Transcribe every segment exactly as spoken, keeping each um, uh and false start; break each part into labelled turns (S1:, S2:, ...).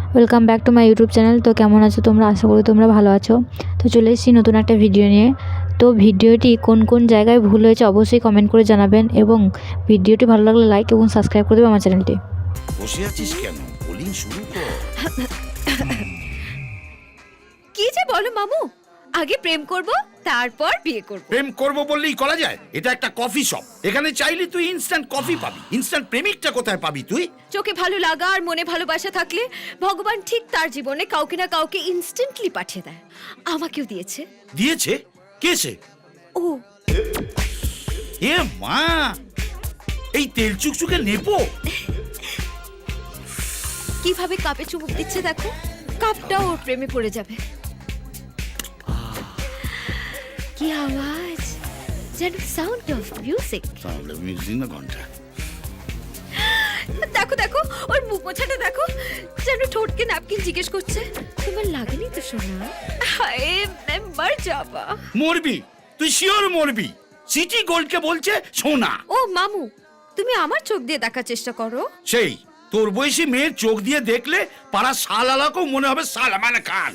S1: Welcome back to my YouTube channel. তো কেমন আছো তোমরা? আশা করি তোমরা ভালো আছো। তো চলে এসেছি নতুন একটা ভিডিও নিয়ে। তো ভিডিওটি কোন কোন জায়গায় ভুল হয়েছে অবশ্যই কমেন্ট করে জানাবেন, এবং ভিডিওটি ভালো লাগলে লাইক এবং সাবস্ক্রাইব করে দেবে আমার চ্যানেলটি।
S2: বসে আছিস কেন? বলি শুরু কর।
S3: কি যে বলো মামু, আগে প্রেম করব তারপর বিয়ে করব।
S2: প্রেম করব বললেই করা যায়? এটা একটা কফি শপ, এখানে চাইলে তুই ইনস্ট্যান্ট কফি পাবি। ইনস্ট্যান্ট প্রেমিকটা কোথায় পাবি তুই?
S3: চোখে ভালো লাগা আর মনে ভালোবাসা থাকলে ভগবান ঠিক তার জীবনে কাউকে না কাউকে ইনস্ট্যান্টলি পাঠিয়ে দেয়। আমাকেও দিয়েছে।
S2: দিয়েছে? কেসে?
S3: ও
S2: এ মা, এই তেল চুকচুকে নেপো।
S3: কিভাবে কাপে চুমুক দিচ্ছে দেখো, কাপটাও ওর প্রেমে পড়ে যাবে। কি আওয়াজ, যেন সাউন্ড অফ মিউজিক।
S2: তাহলে মিউজিক না ঘন্টা।
S3: দেখো দেখো ওর মুখ মোছাটা দেখো, যেন ঠোঁটকে ন্যাপকিন জিজ্ঞেস করছে তোমার লাগেনি তো সোনা? হায় मैं मर जावा।
S2: মরবি তুই, শিওর মরবি। সিটি গোল্ডকে বলছে সোনা।
S3: ও মামু, তুমি আমার চোখ দিয়ে দেখার চেষ্টা করো।
S2: সেই তোর বয়সী মেয়ের চোখ দিয়ে দেখলে পাড়া শালালাকেও মনে হবে সালমান খান।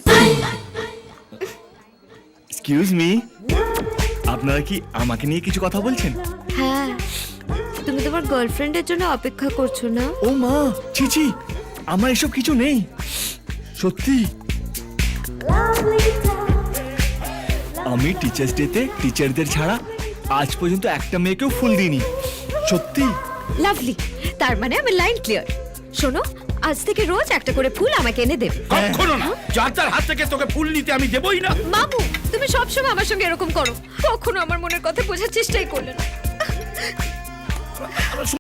S4: এক্সকিউজ মি, আপনারা কি আমাকে নিয়ে কিছু কথা বলছেন?
S3: হ্যাঁ, তুমি তোমার গার্লফ্রেন্ডের জন্য অপেক্ষা করছো না?
S4: ও মা, ছি ছি, আমার এসব কিছু নেই সত্যি। আমি টিচার্স ডেতে টিচারদের ছাড়া আজ পর্যন্ত একটা মেয়েকেও ফুল দিইনি সত্যি।
S3: লাভলি, তার মানে আমার লাইন ক্লিয়ার। শোনো, আজ থেকে রোজ একটা করে ফুল আমাকে এনে দেবে।
S2: কখনো না, যার তার হাত থেকে তোকে ফুল নিতে আমি দেবই না।
S3: মামু, তুমি সবসময় আমার সঙ্গে এরকম করো, কখনো আমার মনের কথা বোঝার চেষ্টাই করলে না।